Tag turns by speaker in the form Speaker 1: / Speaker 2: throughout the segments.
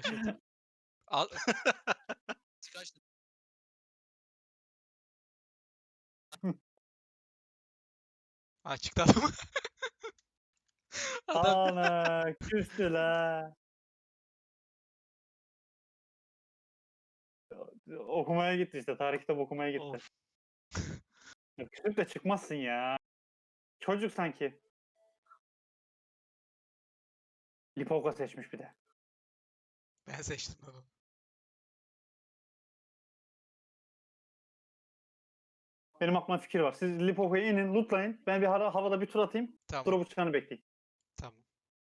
Speaker 1: Başlat. Al. Kaç? Ha çıktı adam. Adam.
Speaker 2: Ana küstü la. Okumaya gitti işte. Tarih kitabı okumaya gitti.
Speaker 3: Of.
Speaker 2: Ya küsüp de çıkmazsın ya. Çocuk sanki. Lipovka seçmiş bir de.
Speaker 1: Ben seçtim onu.
Speaker 2: Benim aklıma fikir var. Siz Lipovka'ya inin, lootlayın. Ben bir havada bir tur atayım.
Speaker 1: Tamam.
Speaker 2: Drop'u çıkanı bekleyin.
Speaker 1: Tamam.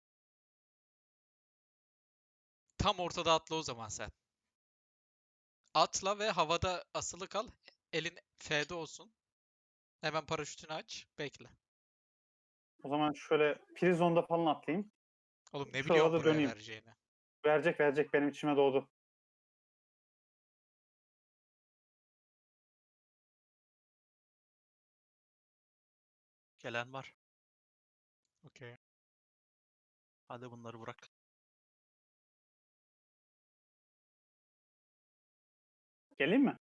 Speaker 1: Tam ortada atla o zaman sen. Atla ve havada asılı kal. Elin F'de olsun. Hemen paraşütünü aç. Bekle.
Speaker 2: O zaman şöyle prizonda falan atlayayım.
Speaker 1: Oğlum ne
Speaker 2: Şu
Speaker 1: biliyorsun
Speaker 2: arada
Speaker 1: buraya
Speaker 2: döneyim.
Speaker 1: vereceğini?
Speaker 2: Verecek benim içime doğdu.
Speaker 3: Gelen var.
Speaker 1: Okey.
Speaker 3: Hadi bunları bırak.
Speaker 2: Geleyim mi?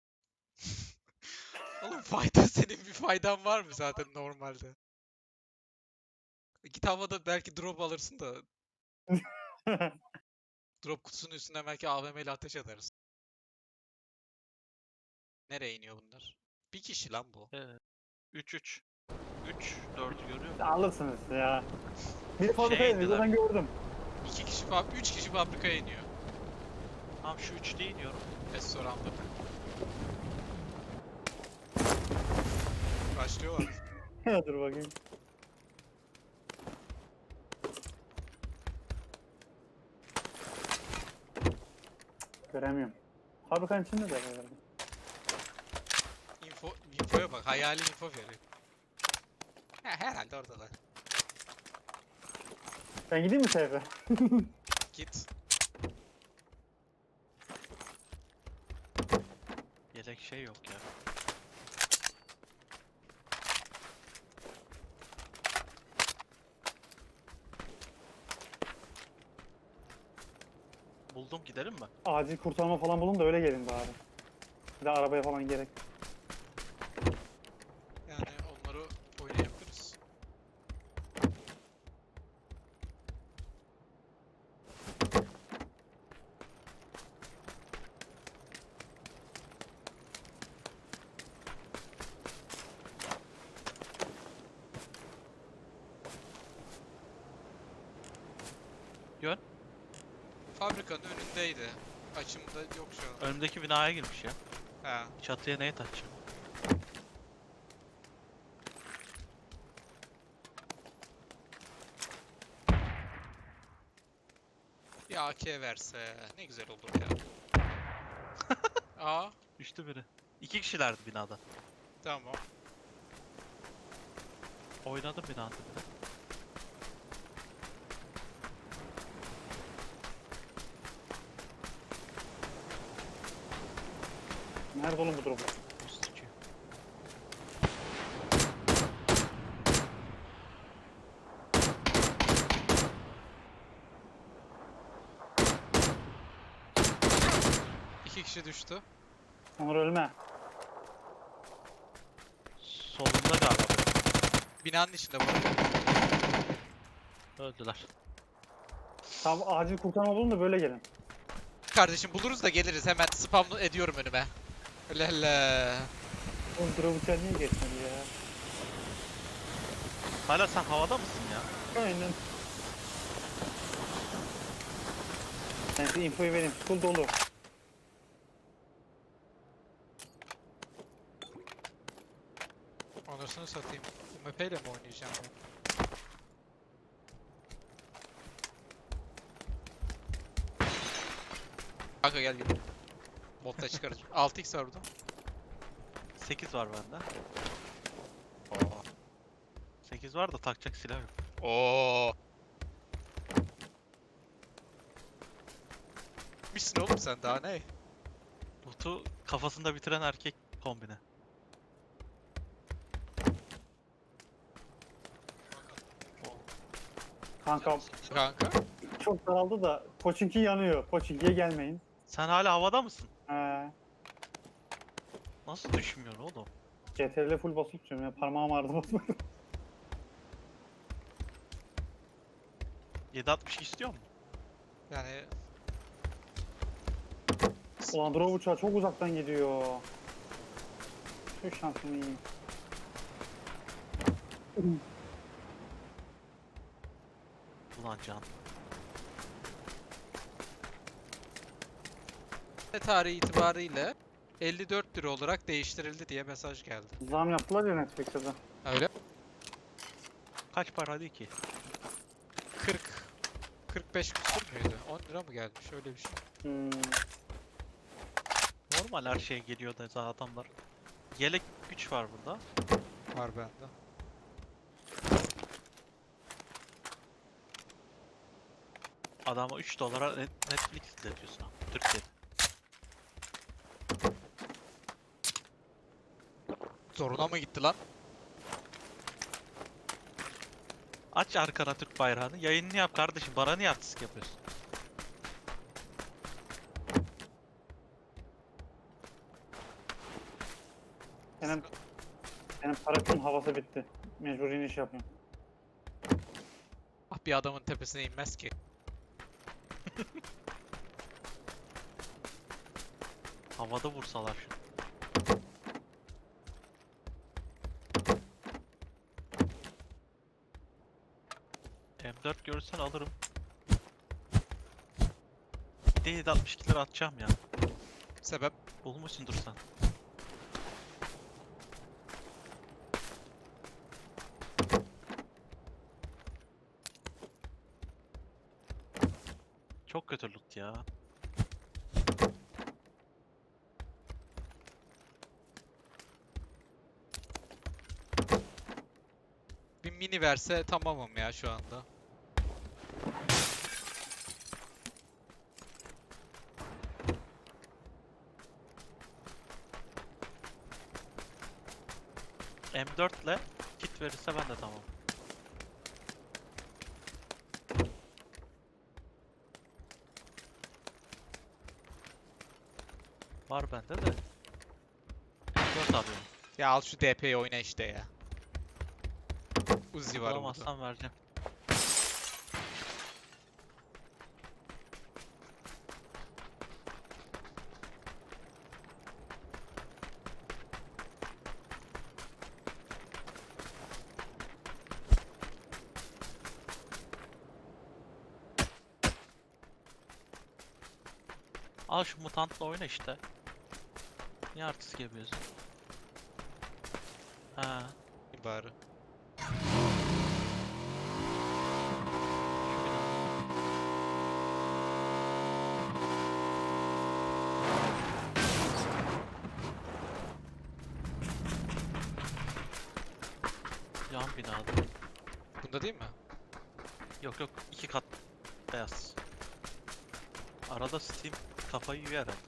Speaker 1: Oğlum fayda senin bir faydan var mı zaten normalde? Git havada belki drop alırsın da drop kutusunun üstüne belki AVM ile ateş edersin. Nereye iniyor bunlar? Bir kişi lan bu.
Speaker 3: 3-3. 3-4'ü görüyor musun?
Speaker 2: Alırsınız ya. Bir fabrikaya iniyor.
Speaker 3: indiler.
Speaker 2: Ben gördüm.
Speaker 1: 2 kişi, 3 kişi fabrikaya iniyor.
Speaker 3: Tamam şu 3'te iniyorum.
Speaker 1: Restoranda. Başlıyorlar.
Speaker 2: Dur bakayım. Göremiyorum. Fabrikanın içinde de var.
Speaker 1: Infoya bak. Hayali info veriyor. Ha, herhalde oradalar.
Speaker 2: Ben gideyim mi seyfe?
Speaker 1: Git.
Speaker 3: Yelek şey yok ya. Buldum, gidelim mi?
Speaker 2: Acil kurtarma falan bulun da öyle gelin bari. Bir de arabaya falan gerek.
Speaker 1: Yani onları oynayabiliriz.
Speaker 3: Yön.
Speaker 1: Fabrikanın önündeydi. Açımda yok şu an.
Speaker 3: Önümdeki binaya girmiş ya.
Speaker 1: Ha.
Speaker 3: Çatıya neye taşacağım?
Speaker 1: Bir AK verse ne güzel olur ya. Aa,
Speaker 3: Düştü biri. 2 kişilerdi binada.
Speaker 1: tamam.
Speaker 3: Oynadım binada bir de.
Speaker 2: Nerede oğlum bu drop?
Speaker 3: Bu sıçıyor.
Speaker 1: İki kişi düştü.
Speaker 2: Onur ölme.
Speaker 3: Solunda galiba biri.
Speaker 1: Binanın içinde bu.
Speaker 3: Öldüler.
Speaker 2: Tamam acil kurtarma bulun da böyle gelin.
Speaker 1: Kardeşim buluruz da geliriz. Hemen spam ediyorum önüme. Öyle hele.
Speaker 2: Oğlum drop uçağı niye geçmedi ya?
Speaker 3: Hala sen havada mısın ya?
Speaker 2: Aynen. Ben size infoyu vereyim. Full dolu.
Speaker 1: Anasını satayım. UMP ile mi oynayacağım ben? Kanka gel gel. Botta çıkarız. 6x var burada.
Speaker 3: 8 var bende.
Speaker 1: Oo.
Speaker 3: 8 var da takacak silah yok.
Speaker 1: Oo. Misin oğlum sen daha ne?
Speaker 3: Botu kafasında bitiren erkek kombine.
Speaker 2: Kanka
Speaker 1: Kanka.
Speaker 2: çok daraldı da Pochinki yanıyor. Pochinki'ye gelmeyin.
Speaker 3: Sen hala havada mısın? Nasıl düşmüyorsun oğlum?
Speaker 2: CTRL full basıp tutuyorum ya. Parmağım ağrıdı basmaktan.
Speaker 3: 7.62 istiyor musun?
Speaker 1: Yani
Speaker 2: Ulan drone uçağı çok uzaktan gidiyor. Şu şansını yiyeyim.
Speaker 3: Ulan can.
Speaker 1: tarihi itibariyle 54 lira olarak değiştirildi diye mesaj geldi.
Speaker 2: Zam yaptılar ya Netflix'e de.
Speaker 1: Öyle.
Speaker 3: Kaç para değil ki?
Speaker 1: 40 45 küsur müydü? 10 lira mı gelmiş? Öyle bir şey.
Speaker 3: Normal her şeye geliyor da zaten adamlar. Yelek güç var burada.
Speaker 1: Var bende.
Speaker 3: Adama 3 dolara Netflix izletiyorsun abi, Türkiye'de.
Speaker 1: Zoruna mı gitti lan?
Speaker 3: Aç arkana Türk bayrağını, yayınını yap kardeşim. Bana niye artistik yapıyorsun?
Speaker 2: Benim paraşütün havası bitti. Mecbur iniş yapıyorum.
Speaker 1: Ah, bir adamın tepesine inmez ki.
Speaker 3: Havada vursalar şu. M4 görürsen alırım. Bir de 7.62 lira atacağım ya.
Speaker 1: Sebep?
Speaker 3: Bulmuşsundur sen. Çok kötü loot ya.
Speaker 1: Bir mini verse tamamım ya şu anda.
Speaker 3: M4 ile kit verirse ben de tamam. Var bende de. M4 alıyorum.
Speaker 1: Ya al şu DP'yi oyna işte ya. Uzi var burada.
Speaker 3: Bulamazsam vereceğim. Al şu mutantla oyna işte. Niye artist yapıyorsun? Ha,
Speaker 1: Bari.
Speaker 3: şu bina. Yan binada.
Speaker 1: Bunda değil mi?
Speaker 3: Yok yok, 2 kat beyaz. Arada Steam kafayı yiyor herhalde.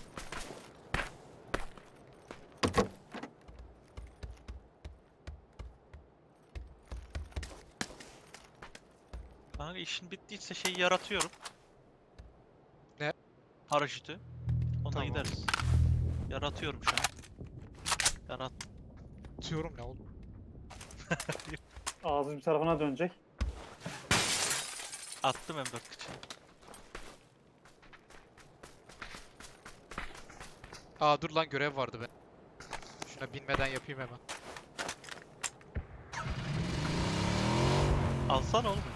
Speaker 3: Kanka işin bittiyse şeyi yaratıyorum.
Speaker 1: Ne?
Speaker 3: Paraşütü. Ona
Speaker 1: Tamam.
Speaker 3: gideriz. Yaratıyorum şu an. Yarat.
Speaker 1: Atıyorum ne oğlum?
Speaker 2: Ağzı bir tarafına dönecek.
Speaker 3: Attım M4 kıçını.
Speaker 1: Aa dur lan, görev vardı be. Şuna binmeden yapayım hemen.
Speaker 3: Alsana oğlum.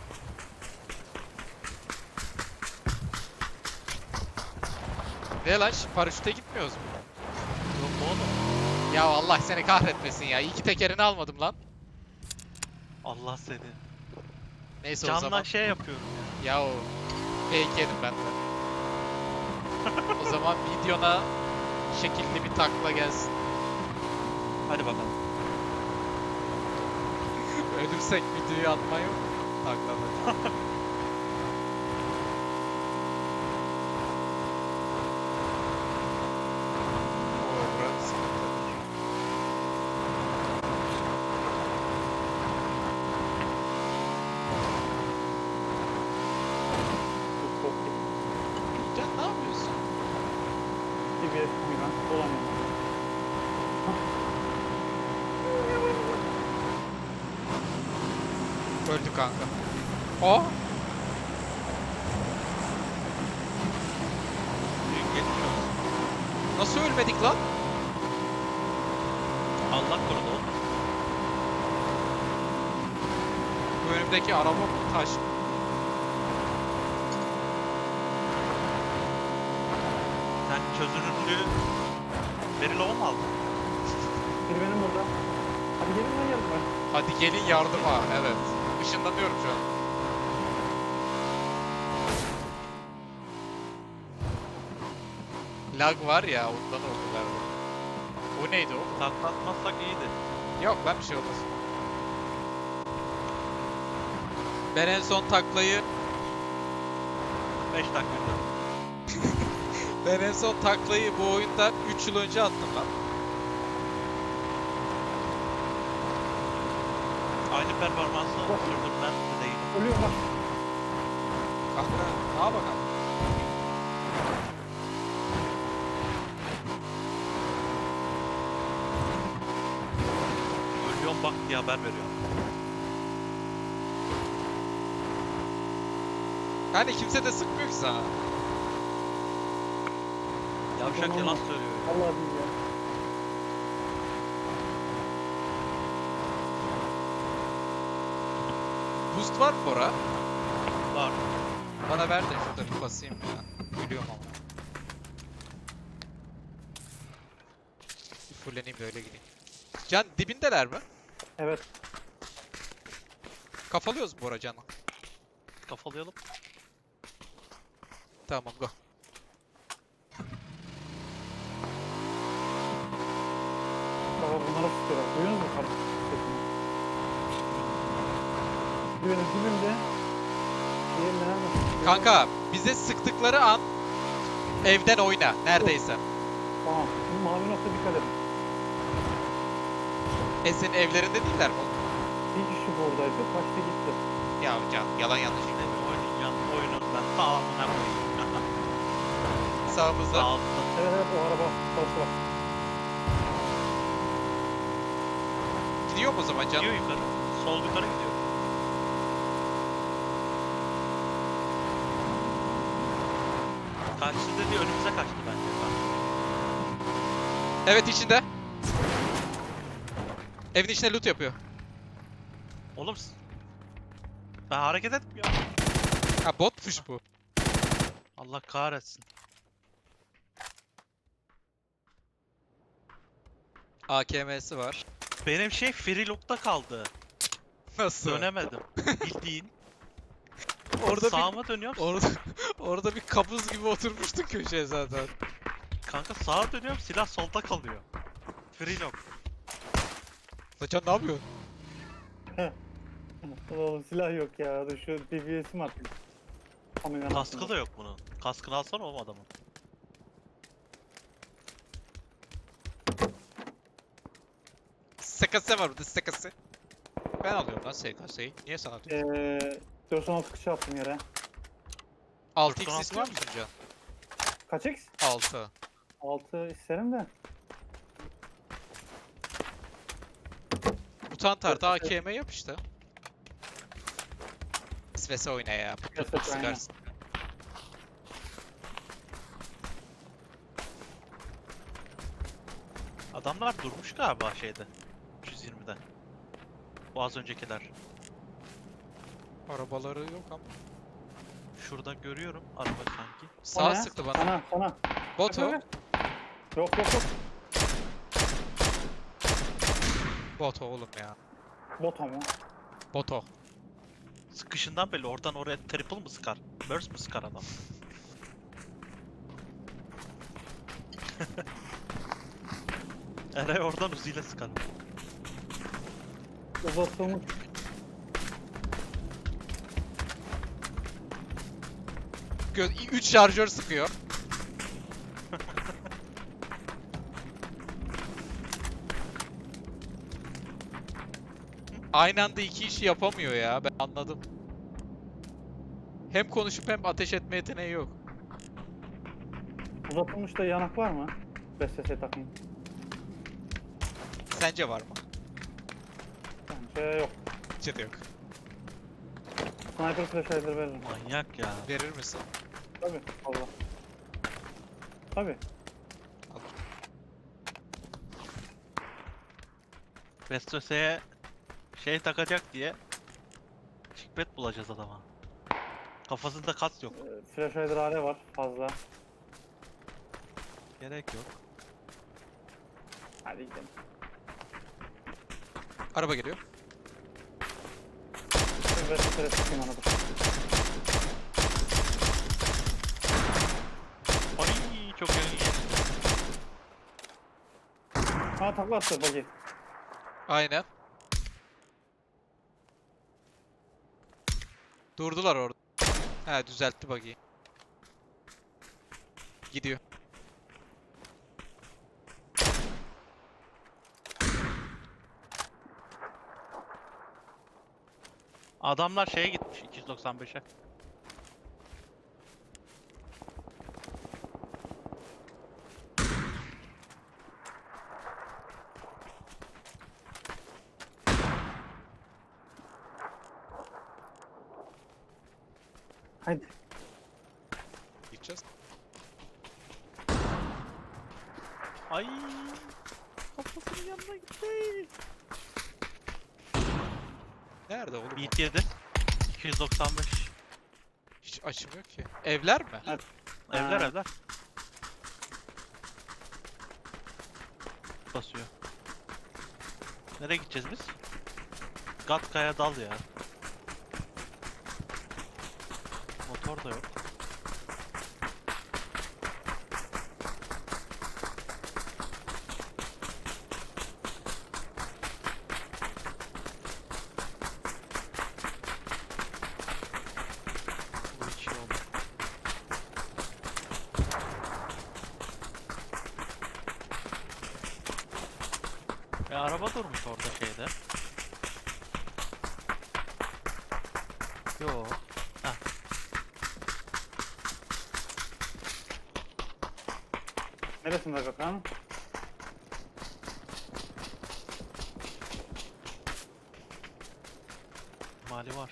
Speaker 1: Ne lan, paraşüte gitmiyoruz mu?
Speaker 3: Yok oğlum.
Speaker 1: Ya Allah seni kahretmesin ya. İyi ki tekerini almadım lan.
Speaker 3: Allah seni.
Speaker 1: Neyse o
Speaker 3: Canla
Speaker 1: zaman.
Speaker 3: şey yapıyorum ya.
Speaker 1: Ya o fake yedim ben de. O zaman videona şekilli bir takla gelsin.
Speaker 3: Hadi bakalım.
Speaker 1: Ölürsek videoyu atmayı yok. Taklamak. Oo, burası sıkıntı.
Speaker 2: DBS koyulan dolanıyor.
Speaker 1: Öldü kanka. O
Speaker 3: Büyük geçmiş olsun.
Speaker 1: nasıl ölmedik lan?
Speaker 3: Allah korudu oğlum.
Speaker 1: Bu önümdeki araba mı? Taş mı?
Speaker 3: Sen çözünürlüğü Verilova mı aldın?
Speaker 2: Biri benim burada. Hadi gelin lan yanıma.
Speaker 1: Hadi gelin yardıma. Evet. Işınlanıyorum şu an. Lag var ya ondan oldu galiba. O neydi o?
Speaker 3: Taklatmazsak iyiydi.
Speaker 1: Yok lan bir şey olmaz. Ben en son taklayı
Speaker 3: 5 dakika.
Speaker 1: Ben en son taklayı bu oyunda 3 yıl önce attım lan.
Speaker 3: Aynı performansı sürdürmen de değil.
Speaker 2: Ölüyor bak.
Speaker 1: Kanka ne bakalım.
Speaker 3: Ölüyorum bak diye haber veriyor.
Speaker 1: Yani kimse de sıkmıyor ki sana.
Speaker 3: Yavşak yalan söylüyor.
Speaker 2: Allah değil ya.
Speaker 1: Boost var mı Bora?
Speaker 3: Var.
Speaker 1: Bana ver de şurada bir basayım ya. Ölüyorum ama. Bir fulleneyim de öyle gideyim. Can dibindeler mi?
Speaker 2: Evet.
Speaker 1: Kafalıyoruz mu Bora Can'ı?
Speaker 3: Kafalayalım.
Speaker 1: Tamam go.
Speaker 2: Baba bunlara sıkıyorlar. Duyuyor musun kardeşim sesini? Benim dibimde. Diğer nerede?
Speaker 1: Kanka bize sıktıkları an evden oyna neredeyse.
Speaker 2: Tamam. Bu mavi nokta dikkat edin.
Speaker 1: Senin evlerinde değiller mi?
Speaker 2: Bir kişi buradaydı. Kaçtı gitti.
Speaker 1: Ya Can yalan yanlış.
Speaker 3: Yine bir oynayacağım. Oyunundan tamamına koyayım.
Speaker 1: Sağımızda.
Speaker 3: Sağ olsun.
Speaker 2: Evet evet o araba. Orası var.
Speaker 1: Gidiyor mu o zaman Can?
Speaker 3: Gidiyor yukarı. Sol yukarı gidiyor. Kaçtı dedi önümüze kaçtı bence.
Speaker 1: Evet içinde. Evin içine loot yapıyor.
Speaker 3: Oğlum ben hareket etmiyorum.
Speaker 1: Ha botmuş bu.
Speaker 3: Allah kahretsin.
Speaker 1: AKM'si var.
Speaker 3: Benim şey Freelock'ta kaldı.
Speaker 1: Nasıl?
Speaker 3: Dönemedim. Bildiğin.
Speaker 1: Orada
Speaker 3: Sağıma dönüyorum.
Speaker 1: orada bir kabız gibi oturmuştun köşeye zaten.
Speaker 3: Kanka sağa dönüyorum silah solda kalıyor. Freelock.
Speaker 1: Lan Can ne yapıyorsun?
Speaker 2: Oğlum silah yok ya. Dur şu DBS'im atayım. Kameranın
Speaker 3: Kaskı
Speaker 2: altında.
Speaker 3: da yok bunun. Kaskını alsana oğlum adamın.
Speaker 1: SKS var burada SKS. Ben alıyorum lan SKS'yi. Niye sana atıyorsun?
Speaker 2: 416 kışı attım yere.
Speaker 1: 6x
Speaker 3: 96
Speaker 1: istiyor
Speaker 3: var mı?
Speaker 1: musun Can?
Speaker 2: Kaç X?
Speaker 1: 6.
Speaker 2: 6 isterim de.
Speaker 1: Mutant artı AKM yap işte. SVS oyna ya. Pıt pıt pıt
Speaker 2: SVS aynen.
Speaker 1: sıkarsın.
Speaker 3: Adamlar durmuş galiba şeyde. 320'de. Bu az öncekiler.
Speaker 1: Arabaları yok ama.
Speaker 3: Şurada görüyorum araba sanki.
Speaker 1: Sağ
Speaker 2: O ne?
Speaker 1: sıktı bana.
Speaker 2: Sana.
Speaker 1: Bot o.
Speaker 2: Yok.
Speaker 1: Bot o oğlum ya.
Speaker 2: Bot ama.
Speaker 1: Bot o.
Speaker 3: Sıkışından belli oradan oraya triple mı sıkar? Burst mı sıkar adam? Eray oradan uziyle sıkar.
Speaker 2: Uzatılmış.
Speaker 1: Göz 3 şarjör sıkıyor. Aynı anda iki işi yapamıyor ya. Ben anladım. Hem konuşup hem ateş etme yeteneği yok.
Speaker 2: Uzatılmış da yanak var mı? BSS takayım.
Speaker 1: Sence var mı?
Speaker 2: Bence yok.
Speaker 1: Bence de yok.
Speaker 2: Sniper flash hider veririm.
Speaker 3: Manyak ya.
Speaker 1: Verir misin?
Speaker 2: Tabii. Allah. Tabii.
Speaker 1: Al.
Speaker 3: Vestrose'ye şey takacak diye şikbet bulacağız adama. Kafasında kas yok.
Speaker 2: Flash hider hale var fazla.
Speaker 3: Gerek yok.
Speaker 2: Hadi gidelim.
Speaker 1: Araba geliyor.
Speaker 2: Ben BSS'e sıkayım onu dur.
Speaker 3: Ay çok yönlü geçti.
Speaker 2: Ha takla attı buggy.
Speaker 1: Aynen. Durdular orada. He düzeltti buggy'yi. Gidiyor.
Speaker 3: Adamlar şeye gitmiş 295'e.
Speaker 2: Haydi.
Speaker 1: Gideceğiz.
Speaker 3: Ay kafasının yanına gitti.
Speaker 1: Nerede oğlum? o?
Speaker 3: Beat yedi. 295.
Speaker 1: Hiç açmıyor ki. Evler mi?
Speaker 2: Evet.
Speaker 3: Evler
Speaker 2: Ha.
Speaker 3: evler. Basıyor. Nereye gideceğiz biz? Gatka'ya dal ya. Motor da yok. Bu hiç iyi oldu. Araba durmuş orada şeyde. Yo.
Speaker 2: Neresinde Gökhan?
Speaker 3: Mali var.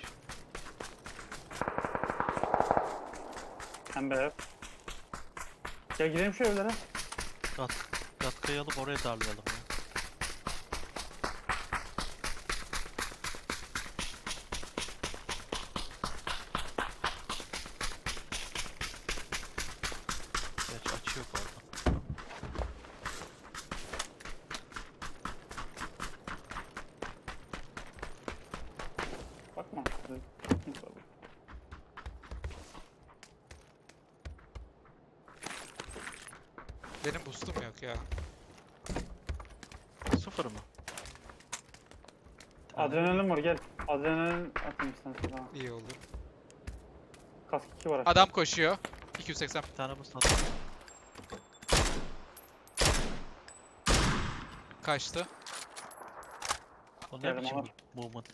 Speaker 2: Pembe ev. Gel gidelim şu evlere.
Speaker 3: Gatka'yı alıp oraya darlayalım ya. Gerçi açı yok orada.
Speaker 2: Bakma.
Speaker 1: Benim boostum yok ya.
Speaker 3: Sıfır mı?
Speaker 2: Adrenalin var gel. Adrenalin atayım istersen sana.
Speaker 1: İyi oldu.
Speaker 2: Kask 2 var aşağıda.
Speaker 1: Adam koşuyor. 280.
Speaker 3: Bir tane mısın?
Speaker 1: Kaçtı.
Speaker 3: O ne
Speaker 2: Geldim,
Speaker 3: biçim
Speaker 2: Onur.
Speaker 3: movement?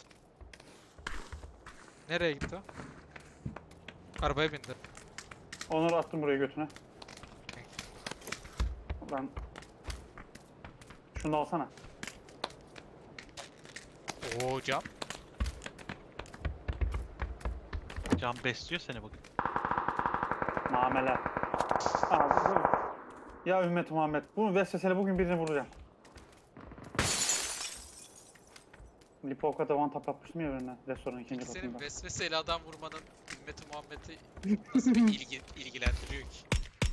Speaker 1: Nereye gitti o? Arabaya bindi.
Speaker 2: Onları attım buraya götüne. Ben... Şunu da alsana.
Speaker 1: Oo cam.
Speaker 3: Can besliyor seni bugün.
Speaker 2: Nameler. Aa, ya ümmet Muhammed. Bu vesveseli bugün birini vuracağım. Lipovka'da one tap yapmıştım ya birine. Restoranın ikinci
Speaker 1: Peki senin
Speaker 2: katında.
Speaker 1: vesveseyle adam vurmanın ümmeti Muhammed'i nasıl bir ilgilendiriyor ki?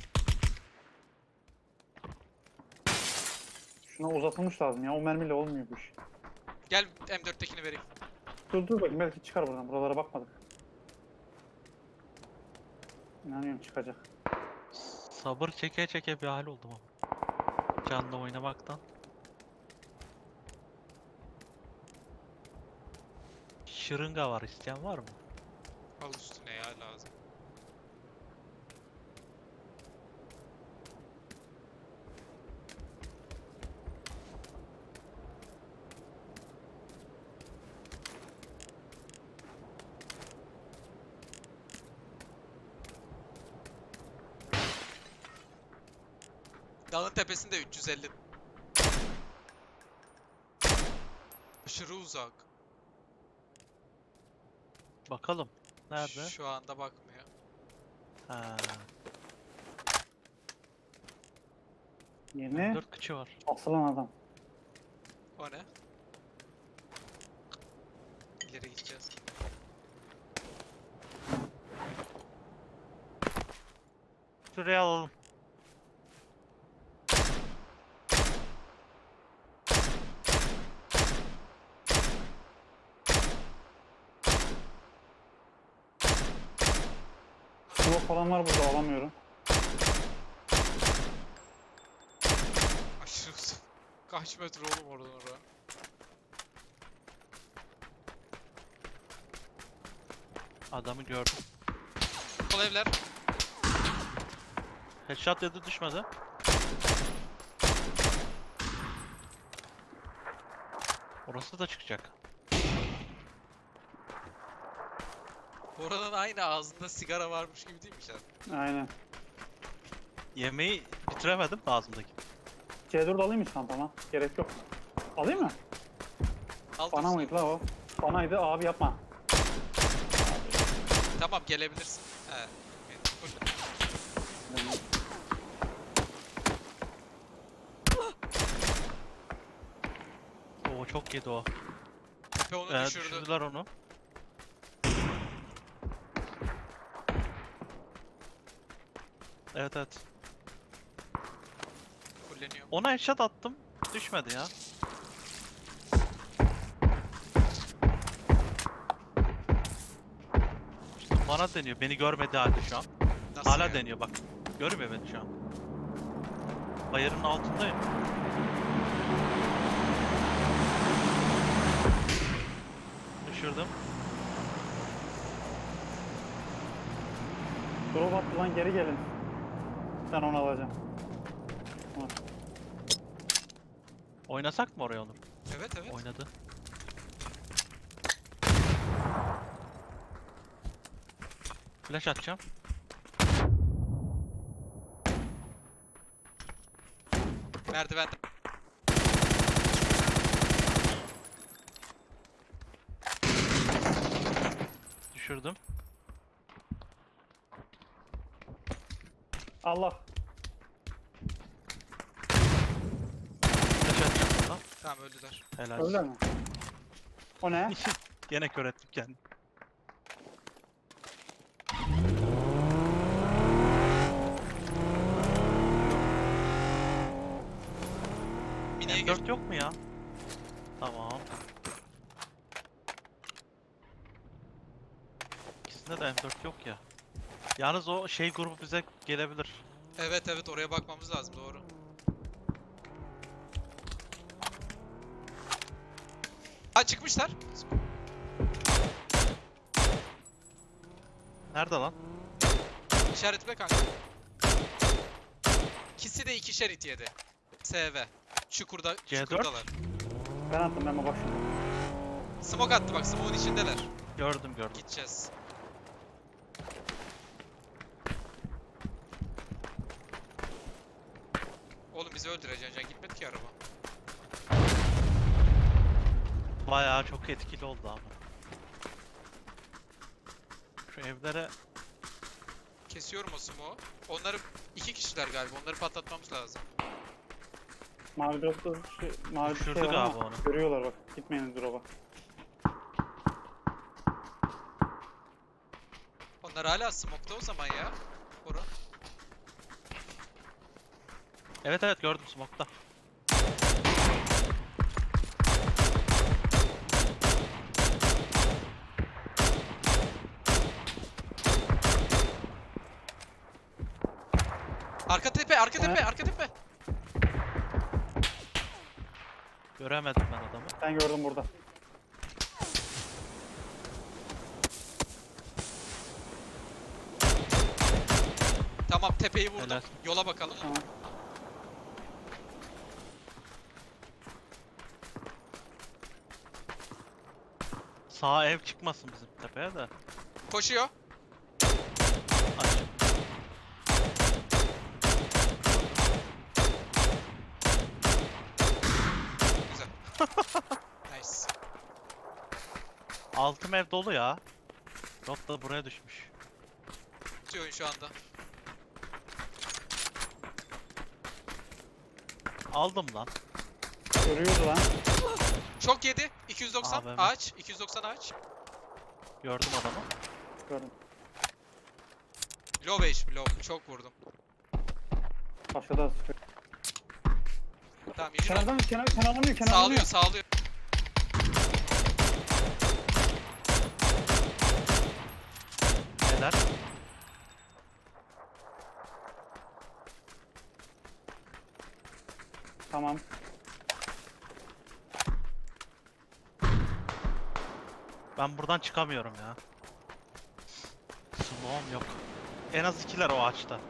Speaker 2: Şuna uzatılmış lazım ya. O mermiyle olmuyor bu iş.
Speaker 1: Gel M4'tekini vereyim.
Speaker 2: Dur bakayım belki çıkar buradan. Buralara bakmadık. İnanıyorum çıkacak.
Speaker 3: Sabır çeke çeke bir hal oldum ama. Canla oynamaktan. Şırınga var, isteyen var mı?
Speaker 1: Al üstüne ya lazım. Dağın tepesinde 350. Aşırı uzak.
Speaker 3: Bakalım. Nerede?
Speaker 1: Şu anda bakmıyor.
Speaker 3: Ha,
Speaker 2: Yeni
Speaker 3: 4 kıçı var.
Speaker 2: asılan adam.
Speaker 1: O ne? İleri gideceğiz.
Speaker 3: Şuraya alalım.
Speaker 2: Smoke falan var burada, alamıyorum.
Speaker 1: Aşırı uzak. Kaç metre oğlum oradan oraya?
Speaker 3: Adamı gördüm.
Speaker 1: Sol evler.
Speaker 3: Headshot dedi, düşmedi. Orası da çıkacak.
Speaker 1: Oranın aynı ağzında sigara varmış gibi değil mi sen?
Speaker 2: Aynen.
Speaker 3: Yemeği bitiremedim de ağzımdaki.
Speaker 2: C4 alayım mı çantama? Gerek yok. Alayım mı?
Speaker 1: Al
Speaker 2: Bana
Speaker 1: dursun.
Speaker 2: mıydı la o? Banaydı abi, yapma.
Speaker 1: Tamam gelebilirsin. He. Full.
Speaker 3: Oo, çok yedi o.
Speaker 1: Tepe onu düşürdü.
Speaker 3: Düşürdüler onu. Evet evet.
Speaker 1: Fulleniyor.
Speaker 3: Ona headshot attım. Düşmedi ya. Bana deniyor. Beni görmedi halde şu an.
Speaker 1: Nasıl
Speaker 3: Hala
Speaker 1: yani?
Speaker 3: deniyor bak. Görmüyor beni şu an. Bayırın altındayım. Düşürdüm.
Speaker 2: Drop attı lan, geri gelin. Ben onu alacağım.
Speaker 3: Oynasak mı oraya onu?
Speaker 1: Evet evet.
Speaker 3: Oynadı. Flash atacağım.
Speaker 1: Merdiven.
Speaker 3: Düşürdüm.
Speaker 2: Allah.
Speaker 3: Flash atacağım buradan.
Speaker 1: Tamam öldüler.
Speaker 3: Helal.
Speaker 2: Öyle mi? O ne?
Speaker 3: Gene kör ettim kendimi.
Speaker 1: Miniye gir.
Speaker 3: M4 yok mu ya? Tamam. İkisinde de M4 yok ya. Yalnız o şey grubu bize gelebilir.
Speaker 1: Evet evet oraya bakmamız lazım doğru. Ha çıkmışlar.
Speaker 3: Nerede lan?
Speaker 1: İşaretle kanka. İkisi de 2 şerit yedi. SV. Çukurda,
Speaker 3: C4?
Speaker 1: çukurdalar.
Speaker 2: Ben attım, ben bak şimdi.
Speaker 1: Smoke attı bak, smoke'un içindeler.
Speaker 3: Gördüm gördüm.
Speaker 1: Gideceğiz. Oğlum bizi öldüreceksin, can gitmedi ki araba.
Speaker 3: Bayağı çok etkili oldu ama. Şu evlere
Speaker 1: Kesiyorum o smoke'u. Onları 2 kişiler galiba, onları patlatmamız lazım.
Speaker 2: Mavi dropta mavi bir şey
Speaker 3: Düşürdü
Speaker 2: var
Speaker 3: galiba
Speaker 2: ama
Speaker 3: onu.
Speaker 2: görüyorlar bak. Gitmeyin drop'a.
Speaker 1: Onlar hala smoke'ta o zaman ya. Bora.
Speaker 3: evet evet gördüm smoke'ta.
Speaker 1: Arka tepe, arka
Speaker 2: O ne?
Speaker 1: tepe, arka tepe.
Speaker 3: Göremedim ben adamı.
Speaker 2: Ben gördüm burada.
Speaker 1: Tamam tepeyi vurdum.
Speaker 3: Helal.
Speaker 1: Yola bakalım.
Speaker 2: Tamam.
Speaker 3: Sağ ev çıkmasın bizim tepeye de.
Speaker 1: Koşuyor.
Speaker 3: Aç. Altım ev dolu ya. Rot da buraya düşmüş.
Speaker 1: Tutuyor şu anda.
Speaker 3: Aldım lan.
Speaker 2: Görüyordu lan.
Speaker 1: Çok yedi. 290
Speaker 3: AVM.
Speaker 1: ağaç. 290 ağaç.
Speaker 3: Gördüm adamı.
Speaker 2: Gördüm.
Speaker 1: Low HP low. Çok vurdum.
Speaker 2: Aşağıda sıkıyor.
Speaker 1: Tamam yürü lan.
Speaker 2: Kenarlanıyor.
Speaker 1: Sağlıyor sağlıyor.
Speaker 3: Neler?
Speaker 2: Tamam.
Speaker 3: Ben buradan çıkamıyorum ya. Smoke'um yok. En az ikiler o ağaçta.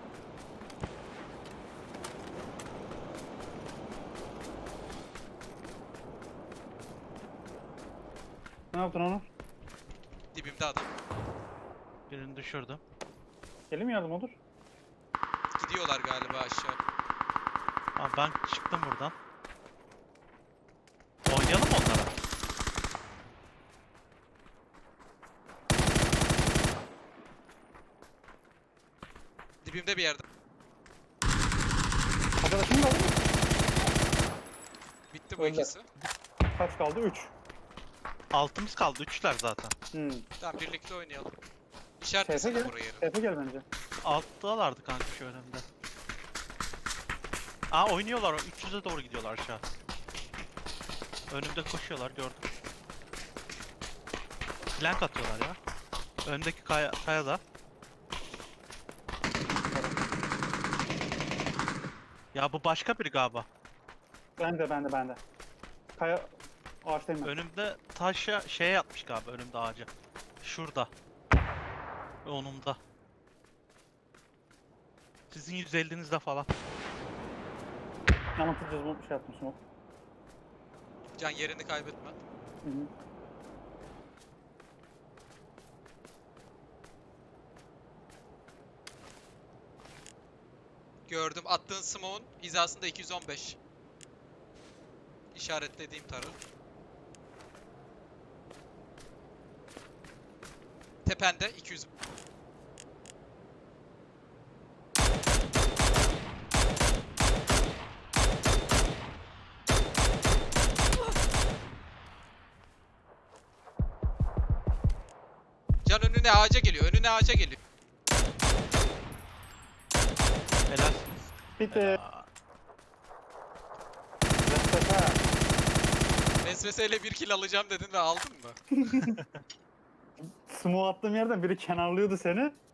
Speaker 2: Ne yaptın onu?
Speaker 1: Dibimde adam.
Speaker 3: Birini düşürdüm.
Speaker 2: Gelin mi yardım olur?
Speaker 1: Gidiyorlar galiba aşağı.
Speaker 3: Ama ben çıktım buradan. Oynayalım mı onlara?
Speaker 1: Dibimde bir yerde.
Speaker 2: Arkadaşım da aldı mı?
Speaker 1: Bitti bu
Speaker 2: Öyle.
Speaker 1: ikisi.
Speaker 2: Kaç kaldı? 3.
Speaker 3: Altımız kaldı. Üçler zaten.
Speaker 1: Tamam birlikte oynayalım.
Speaker 2: Seyfe
Speaker 1: İşaretlesene
Speaker 2: gel.
Speaker 1: burayı.
Speaker 2: Seyfe gel bence.
Speaker 3: Alttalardı kanka şu önümde. Aa oynuyorlar. 300'e doğru gidiyorlar aşağı. Önümde koşuyorlar gördüm. Flank atıyorlar ya. Öndeki kayada. Ya bu başka biri galiba.
Speaker 2: Bende. Kaya ağaçtayım ben.
Speaker 3: Önümde taşa şeye yatmış galiba önümde ağaca. Şurada. Onumda. Sizin 150'nizde falan.
Speaker 2: Yanıltacağız bu şey yaptım smoke.
Speaker 1: Can yerini kaybetme.
Speaker 2: Hı hı.
Speaker 1: Gördüm. Attığın smoke'un hizasında 215. İşaretlediğim tarı. Tepende 200. Can önüne ağaca geliyor. Önüne ağaca geliyor.
Speaker 3: Helal.
Speaker 2: Bitti.
Speaker 3: Helal.
Speaker 2: Vesvese.
Speaker 1: Vesveseyle bir kill alacağım dedin ve aldın mı?
Speaker 2: Smoke attığım yerden biri kenarlıyordu seni.